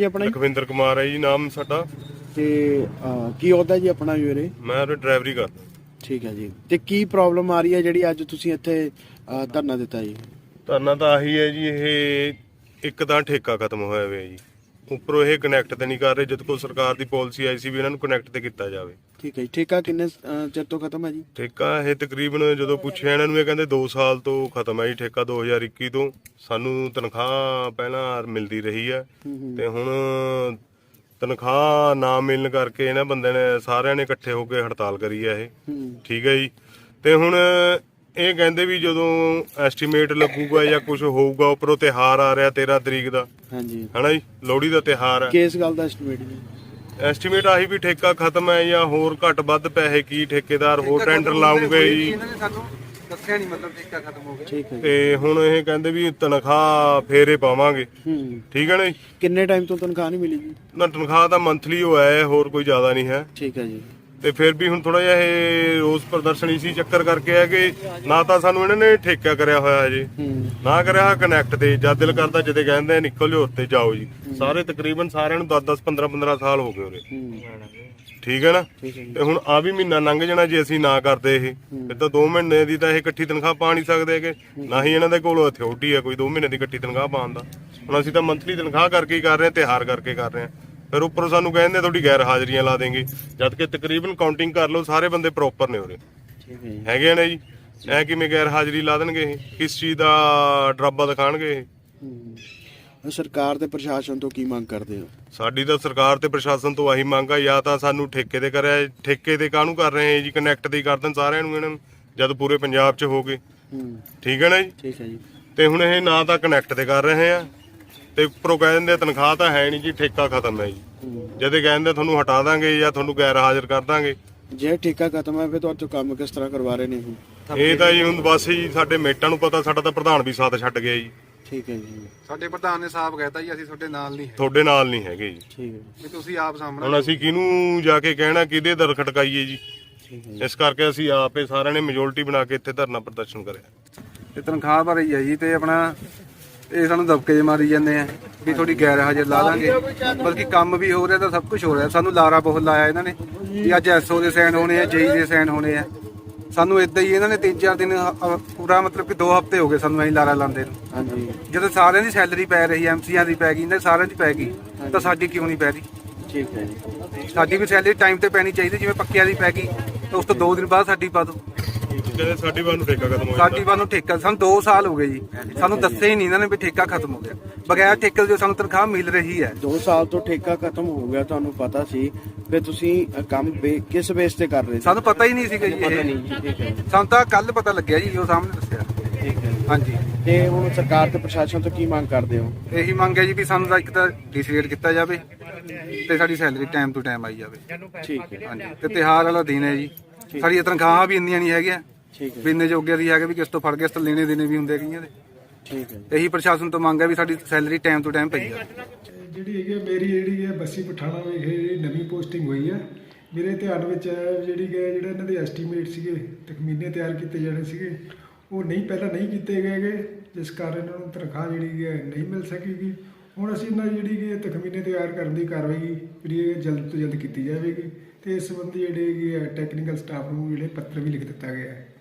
ਆਪਣਾ? ਲਖਵਿੰਦਰ ਕੁਮਾਰ ਹੈ ਜੀ ਨਾਮ ਸਾਡਾ। ਤੇ ਕੀ ਅਹੁਦਾ ਜੀ ਆਪਣਾ ਵੀਰੇ? ਮੈਂ ਉਰੇ ਡਰਾਈਵਰੀ ਕਰਦਾ। ਠੀਕ ਹੈ ਜੀ। ਤੇ ਕੀ ਪ੍ਰੋਬਲਮ ਆ ਰਹੀ ਹੈ ਜਿਹੜੀ ਅੱਜ ਤੁਸੀਂ ਇੱਥੇ ਧਰਨਾ ਦਿੱਤਾ ਜੀ? ਧਰਨਾ ਤਾਂ ਆਹੀ ਹੈ ਜੀ, ਇਹ ਇੱਕ ਤਾਂ ਠੇਕਾ ਖਤਮ ਹੋਇਆ ਹੋਇਆ ਜੀ, ਉੱਪਰੋਂ ਇਹ ਕਨੈਕਟ ਤੇ ਨਹੀਂ ਕਰ ਰਹੇ। ਜਦ ਕੋਲ ਸਰਕਾਰ ਦੀ ਪਾਲਿਸੀ ਆਈ ਸੀ ਵੀ ਇਹਨਾਂ ਨੂੰ ਕਨੈਕਟ ਤੇ ਕੀਤਾ ਜਾਵੇ। ਠੀਕ ਹੈ ਜੀ। ਠੇਕਾ ਕਿੰਨੇ ਚਿਰ ਤੋਂ ਖਤਮ ਹੈ ਜੀ? ਠੇਕਾ ਇਹ ਤਕਰੀਬਨ ਜਦੋਂ ਪੁੱਛਿਆ ਇਹਨਾਂ ਨੂੰ ਇਹ ਕਹਿੰਦੇ 2 ਸਾਲ ਤੋਂ ਖਤਮ ਹੈ ਜੀ ਠੇਕਾ। 2021 ਤੋਂ ਸਾਨੂੰ ਤਨਖਾਹ ਪਹਿਲਾਂ ਮਿਲਦੀ ਰਹੀ ਹੈ ਤੇ ਹੁਣ ਤਨਖਾਹ ਨਾ ਮਿਲਣ ਕਰਕੇ ਇਹਨਾਂ ਬੰਦੇ ਨੇ ਸਾਰਿਆਂ ਨੇ ਇਕੱਠੇ ਹੋ ਕੇ ਹੜਤਾਲ ਕਰੀ ਹੈ ਇਹ। ਠੀਕ ਹੈ ਜੀ। ਤੇ ਹੁਣ ਇਹ ਕਹਿੰਦੇ ਵੀ ਜਦੋਂ ਐਸਟੀਮੇਟ ਲੱਗੂਗਾ ਜਾਂ ਕੁਝ ਹੋਊਗਾ, ਉੱਪਰੋਂ ਤਿਉਹਾਰ ਆ ਰਿਹਾ 13 ਤਰੀਕ ਦਾ, ਹਾਂਜੀ ਹਨਾ ਜੀ, ਲੋਹੜੀ ਦਾ ਤਿਉਹਾਰ ਹੈ। ਕਿਸ ਗੱਲ ਦਾ ਐਸਟੀਮੇਟ ਜੀ? ਐਸਟੀਮੇਟ ਆਹੀ ਵੀ ਠੇਕਾ ਖਤਮ ਹੈ ਜਾਂ ਹੋਰ ਘੱਟ ਵੱਧ ਪੈਸੇ ਕੀ ਠੇਕੇਦਾਰ ਹੋਰ ਟੈਂਡਰ ਲਾਉਂਗੇ ਜੀ। ਇਹਨਾਂ ਨੇ ਸਾਨੂੰ ਦੱਸਿਆ ਨਹੀਂ, ਮਤਲਬ ਠੇਕਾ ਖਤਮ ਹੋ ਗਿਆ। ਠੀਕ ਹੈ। ਤੇ ਹੁਣ ਇਹ ਕਹਿੰਦੇ ਵੀ ਤਨਖਾਹ ਫੇਰੇ ਪਾਵਾਂਗੇ। ਠੀਕ ਹੈ ਨਾ ਜੀ। ਕਿੰਨੇ ਟਾਈਮ ਤੋਂ ਤਨਖਾਹ ਨਹੀਂ ਮਿਲੀ ਜੀ? ਨਾ ਤਨਖਾਹ ਤਾਂ ਮੰਥਲੀ ਹੋਇਆ ਹੈ, ਹੋਰ ਕੋਈ ਜ਼ਿਆਦਾ ਨਹੀਂ ਹੈ। ਠੀਕ ਹੈ ਜੀ। ਤੇ ਫਿਰ ਵੀ ਹੁਣ ਥੋੜਾ ਜਿਹਾ ਇਹ ਰੋਸ ਪ੍ਰਦਰਸ਼ਨ ਇਸੀ ਚੱਕਰ ਕਰਕੇ ਹੈ ਕਿ ਨਾ ਤਾਂ ਸਾਨੂੰ ਇਹਨਾਂ ਨੇ ਠੇਕਾ ਕਰਿਆ ਹੋਇਆ ਹਜੇ, ਨਾ ਕਰਿਆ ਕਨੈਕਟ ਤੇ। ਜਦ ਦਿਲ ਕਰਦਾ ਜਦੇ ਕਹਿੰਦੇ ਨਿਕਲ ਜਾਓ ਉੱਤੇ ਜਾਓ ਜੀ। ਸਾਰੇ ਤਕਰੀਬਨ ਸਾਰਿਆਂ ਨੂੰ 10-10 15-15 ਸਾਲ ਹੋ ਗਏ ਉਰੇ। ਠੀਕ ਹੈ ਨਾ। ਤੇ ਹੁਣ ਆ ਵੀ ਮਹੀਨਾ ਲੰਘ ਜਾਣਾ ਜੇ ਅਸੀਂ ਨਾ ਕਰਦੇ ਇਹ, ਫਿਰ ਤਾਂ 2 ਮਹੀਨੇ ਦੀ ਤਾਂ ਇਹ ਇਕੱਠੀ ਤਨਖਾਹ ਪਾ ਨਹੀਂ ਸਕਦੇ ਹੈਗੇ, ਨਾ ਹੀ ਇਹਨਾਂ ਦੇ ਕੋਲ ਅਥਾਰਟੀ ਹੈ ਕੋਈ 2 ਮਹੀਨੇ ਦੀ ਇਕੱਠੀ ਤਨਖਾਹ ਪਾਉਣ ਦਾ। ਹੁਣ ਅਸੀਂ ਤਾਂ ਮੰਥਲੀ ਤਨਖਾਹ ਕਰਕੇ ਹੀ ਕਰ ਰਹੇ ਹਾਂ, ਤਿਉਹਾਰ ਕਰਕੇ ਕਰ ਰਹੇ ਹਾਂ। ਫਿਰ ਉੱਪਰੋਂ ਸਾਨੂੰ ਕਹਿੰਦੇ ਤੁਹਾਡੀ ਗੈਰ ਹਾਜ਼ਰੀਆਂ ਲਾ ਦੇਂਗੇ, ਜਦ ਕਿ ਤਕਰੀਬਨ ਕਾਊਂਟਿੰਗ ਕਰ ਲਓ ਸਾਰੇ ਬੰਦੇ ਪ੍ਰੋਪਰ ਨੇ ਉਰੇ ਹੈਗੇ ਨੇ ਜੀ। ਐ ਕਿਵੇਂ ਗੈਰ ਹਾਜ਼ਰੀ ਲਾ ਦੇਣਗੇ ਇਹ? ਕਿਸ ਚੀਜ਼ ਦਾ ਡਰਾਬਾ ਦਿਖਾਣਗੇ ਇਹ? ਸਰਕਾਰ ਤੇ ਪ੍ਰਸ਼ਾਸਨ ਤੋਂ ਕੀ ਮੰਗ ਕਰਦੇ ਹੋ? ਸਾਡੀ ਤਾਂ ਸਰਕਾਰ ਤੇ ਪ੍ਰਸ਼ਾਸਨ ਤੋਂ ਆਹੀ ਮੰਗ ਆ, ਜਾਂ ਤਾਂ ਸਾਨੂੰ ਠੇਕੇ ਤੇ ਕਰਿਆ। ਠੇਕੇ ਤੇ ਕਾਹਨੂੰ ਕਰ ਰਹੇ ਜੀ? ਕਨੈਕਟ ਤੇ ਹੀ ਕਰ ਦੇਣ ਸਾਰਿਆਂ ਨੂੰ ਇਹਨਾਂ ਨੂੰ, ਜਦ ਪੂਰੇ ਪੰਜਾਬ 'ਚ ਹੋ ਗਏ। ਠੀਕ ਹੈ ਨਾ ਜੀ। ਠੀਕ ਹੈ ਜੀ। ਤੇ ਹੁਣ ਇਹ ਨਾ ਤਾਂ ਕਨੈਕਟ ਤੇ ਕਰ ਰਹੇ ਆ ਤੇ ਉੱਪਰੋਂ ਕਹਿ ਦਿੰਦੇ ਤਨਖਾਹ ਤਾਂ ਹੈ ਨਹੀਂ ਜੀ, ਠੇਕਾ ਖਤਮ ਹੈ ਜੀ। ਜਦੇ ਕਹਿੰਦੇ ਤੁਹਾਨੂੰ ਹਟਾ ਦਾਂਗੇ ਜਾਂ ਤੁਹਾਨੂੰ ਗੈਰ ਹਾਜ਼ਰ ਕਰ ਦਾਂਗੇ। ਜੇ ਠੇਕਾ ਖਤਮ ਹੈ ਫਿਰ ਤੁਹਾਡੇ ਤੋਂ ਕੰਮ ਕਿਸ ਤਰ੍ਹਾਂ ਕਰਵਾ ਰਹੇ ਨੇ ਹੁਣ? ਇਹ ਤਾਂ ਜੀ ਹੁਣ ਬਸ ਜੀ ਸਾਡੇ ਮੇਟਾਂ ਨੂੰ ਪਤਾ, ਸਾਡਾ ਤਾਂ ਪ੍ਰਧਾਨ ਵੀ ਸਾਥ ਛੱਡ ਗਿਆ ਜੀ। ਠੀਕ ਹੈ ਜੀ। ਸਾਡੇ ਪ੍ਰਧਾਨ ਨੇ ਸਾਫ਼ ਕਹਿਤਾ ਜੀ ਅਸੀਂ ਤੁਹਾਡੇ ਨਾਲ ਨਹੀਂ ਹੈ, ਤੁਹਾਡੇ ਨਾਲ ਨਹੀਂ ਹੈਗੇ ਜੀ। ਠੀਕ ਹੈ। ਵੀ ਤੁਸੀਂ ਆਪ ਸਾਹਮਣੇ। ਹੁਣ ਅਸੀਂ ਕਿਹਨੂੰ ਜਾ ਕੇ ਕਹਿਣਾ, ਕਿਹਦੇ ਦਰ ਖਟਕਾਈਏ ਜੀ? ਠੀਕ ਹੈ। ਇਸ ਕਰਕੇ ਅਸੀਂ ਆਪੇ ਸਾਰਿਆਂ ਨੇ ਮੈਜੋਰਟੀ ਬਣਾ ਕੇ ਇੱਥੇ ਧਰਨਾ ਪ੍ਰਦਰਸ਼ਨ ਕਰਿਆ। ਤੇ ਤਨਖਾਹ ਭਰ ਹੀ ਹੈ ਜੀ, ਤੇ ਆਪਣਾ ਇਹ ਸਾਨੂੰ ਦਬਕੇ ਮਾਰੀ ਜਾਂਦੇ ਆ ਵੀ ਤੁਹਾਡੀ ਗੈਰ ਹਾਜ਼ਰ ਲਾ ਦਾਂਗੇ। ਬਲਕਿ ਕੰਮ ਵੀ ਹੋ ਰਿਹਾ ਤਾਂ ਸਭ ਕੁਝ ਹੋ ਰਿਹਾ। ਸਾਨੂੰ ਲਾਰਾ ਬਹੁਤ ਲਾਇਆ ਇਹਨਾਂ ਨੇ ਵੀ ਅੱਜ ਐਸਓ ਦੇ ਸਾਈਨ ਹੋਣੇ ਆ, ਜੇਈ ਦੇ ਸਾਈਨ ਹੋਣੇ ਆ। ਸਾਨੂੰ ਇਦਾਂ ਹੀ ਇਹਨਾਂ ਨੇ 3-4 ਦਿਨ ਪੂਰਾ ਮਤਲਬ ਕਿ 2 ਹਫ਼ਤੇ ਹੋ ਗਏ ਸਾਨੂੰ ਐਂ ਲਾਰਾ ਲਾਉਂਦੇ ਨੂੰ। ਹਾਂਜੀ। ਜਦੋਂ ਸਾਰਿਆਂ ਦੀ ਸੈਲਰੀ ਪੈ ਰਹੀ, ਐਮਸੀਆਂ ਦੀ ਪੈ ਗਈ, ਇਹਨਾਂ ਸਾਰਿਆਂ ਦੀ ਪੈ ਗਈ, ਤਾਂ ਸਾਡੀ ਕਿਉਂ ਨਹੀਂ ਪੈ ਰਹੀ? ਠੀਕ ਹੈ ਜੀ। ਸਾਡੀ ਵੀ ਸੈਲਰੀ ਟਾਈਮ ਤੇ ਪੈਣੀ ਚਾਹੀਦੀ। ਜਿਵੇਂ ਪੱਕਿਆਂ ਦੀ ਪੈ ਗਈ ਤਾਂ ਉਸ ਤੋਂ 2 ਦਿਨ ਬਾਅਦ ਸਾਡੀ ਪਾ ਦਿਓ। ਕਹਿੰਦੇ ਸਾਡੀ ਵਾਰ ਨੂੰ ਠੇਕਾ ਖਤਮ ਹੋ ਸਾਡੀ ਵਾਰ ਨੂੰ ਠੇਕਾ ਸਾਨੂੰ 2 ਸਾਲ ਹੋ ਗਏ ਜੀ, ਸਾਨੂੰ ਦੱਸਿਆ ਹੀ ਨਹੀਂ ਇਹਨਾਂ ਨੇ ਵੀ ਠੇਕਾ ਖਤਮ ਹੋ ਗਿਆ। ਬਗੈਰ ਠੇਕੇ ਦੇ ਸਾਨੂੰ ਤਨਖਾਹ ਮਿਲ ਰਹੀ ਹੈ। 2 ਸਾਲ ਤੋਂ ਠੇਕਾ ਖਤਮ ਹੋ ਗਿਆ, ਤੁਹਾਨੂੰ ਪਤਾ ਸੀ? ਫਿਰ ਤੁਸੀਂ ਕੰਮ ਕਿਸ ਬੇਸ ਤੇ ਕਰ ਰਹੇ ਸੀ? ਸਾਨੂੰ ਪਤਾ ਹੀ ਨਹੀਂ ਸੀਗਾ ਜੀ ਪਤਾ ਇਹ। ਨਹੀਂ ਜੀ। ਠੀਕ ਹੈ। ਸਾਨੂੰ ਤਾਂ ਕੱਲ ਪਤਾ ਲੱਗਿਆ ਜੀ, ਉਹ ਸਾਹਮਣੇ ਦੱਸਿਆ। ਠੀਕ ਹੈ। ਹਾਂਜੀ। ਤੇ ਹੁਣ ਸਰਕਾਰ ਤੇ ਪ੍ਰਸ਼ਾਸਨ ਤੋਂ ਕੀ ਮੰਗ ਕਰਦੇ ਹੋ? ਇਹੀ ਮੰਗ ਹੈ ਜੀ ਵੀ ਸਾਨੂੰ ਤਾਂ ਇੱਕ ਤਾਂ ਡਿਸਰੇਟ ਕੀਤਾ ਜਾਵੇ ਤੇ ਸਾਡੀ ਸੈਲਰੀ ਟਾਈਮ ਟੂ ਟਾਈਮ ਆਈ ਜਾਵੇ। ਠੀਕ ਹੈ। ਹਾਂਜੀ। ਤੇ ਤਿਉਹਾਰ ਵਾਲਾ ਦਿਨ ਹੈ ਜੀ, ਸਾਡੀਆਂ ਤਨਖਾਹਾਂ ਵੀ ਇੰਨੀਆਂ ਨਹੀਂ ਹੈਗੀਆਂ ਠੀਕ ਹੈ। ਵੀ ਇੰਨੇ ਜੋਗੇ ਦੀ ਹੈਗੇ ਵੀ ਕਿਸ ਤੋਂ ਫੜ ਕੇ ਇਸ ਤੋਂ ਲੈਣੇ ਦੇਣੇ ਵੀ ਹੁੰਦੇ ਕਈਆਂ ਦੇ। ਠੀਕ ਹੈ। ਇਹੀ ਪ੍ਰਸ਼ਾਸਨ ਤੋਂ ਮੰਗ ਹੈ ਵੀ ਸਾਡੀ ਸੈਲਰੀ ਟਾਈਮ ਟੂ ਟਾਈਮ ਪਈ ਜਾਵੇ। ਜਿਹੜੀ ਹੈਗੀ ਮੇਰੀ ਜਿਹੜੀ ਹੈ ਬੱਸੀ ਪਠਾਣਾ ਵਿਖੇ ਜਿਹੜੀ ਨਵੀਂ ਪੋਸਟਿੰਗ ਹੋਈ ਹੈ, ਮੇਰੇ ਧਿਆਨ ਵਿੱਚ ਜਿਹੜੀ ਕਿ ਜਿਹੜਾ ਇਹਨਾਂ ਦੇ ਐਸਟੀਮੇਟ ਸੀਗੇ ਤਖਮੀਨੇ ਤਿਆਰ ਕੀਤੇ ਜਾਣੇ ਸੀਗੇ, ਉਹ ਪਹਿਲਾਂ ਨਹੀਂ ਕੀਤੇ ਗਏ, ਜਿਸ ਕਾਰਨ ਇਹਨਾਂ ਨੂੰ ਤਨਖਾਹ ਜਿਹੜੀ ਹੈ ਨਹੀਂ ਮਿਲ ਸਕੇਗੀ। ਹੁਣ ਅਸੀਂ ਇਹਨਾਂ ਜਿਹੜੀ ਕਿ ਤਖਮੀਨੇ ਤਿਆਰ ਕਰਨ ਦੀ ਕਾਰਵਾਈ ਜਿਹੜੀ ਹੈ ਜਲਦ ਤੋਂ ਜਲਦ ਕੀਤੀ ਜਾਵੇਗੀ ਤੇ ਇਸ ਸੰਬੰਧੀ ਜਿਹੜੇ ਹੈਗੇ ਟੈਕਨੀਕਲ ਸਟਾਫ ਨੂੰ ਜਿਹੜੇ ਪੱਤਰ ਵੀ ਲਿਖ ਦਿੱਤਾ ਗਿਆ ਹੈ।